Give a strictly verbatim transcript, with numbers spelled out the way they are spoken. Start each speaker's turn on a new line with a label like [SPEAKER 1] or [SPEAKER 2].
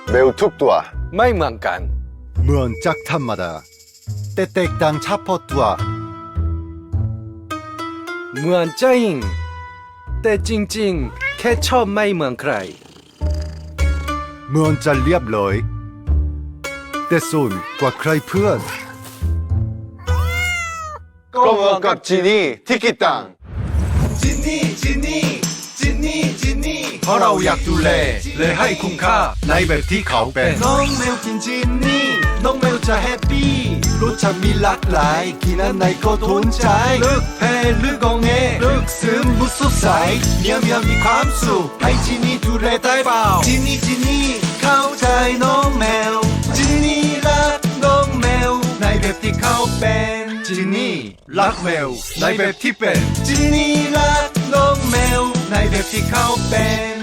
[SPEAKER 1] เบลทุกตัว
[SPEAKER 2] ไม่เหมือนกัน
[SPEAKER 3] เหมือนจากธรรมดาแต่แตกต่างเฉพาะตัว
[SPEAKER 2] เหมือนจริงแต่จริงๆแค่ชอบไม่เหมือนใคร
[SPEAKER 3] เหมือนจะเรียบร้อยแต่สูงกว่าใครเพื่อน
[SPEAKER 1] ก็เหมือนกับจีนี่ที่คิดต่าง
[SPEAKER 3] จินนี่จินนี่จินนี่จินนี่เพราะเราอยากดูแลเลยให้คุ้มค่าในแบบที่เขาเป็นน้องแมวกินจินนี่น้องแมวจะแฮปปี้รสชาติมีหลากหลายกินอันไหนก็ทนใจเลือกแพ้เลือกกองเงเลือกซึมบุสดใสเมียเมียมีความสุขให้จินนี่ดูแลได้เปล่าจินนี่จินนี่เข้าใจน้องแมวจินนี่รักน้องแมวในแบบที่เขาเป็นจินนี่รักแมวในแบบที่เป็นจินนี่รักน้องแมวในแบบที่เขาเป็น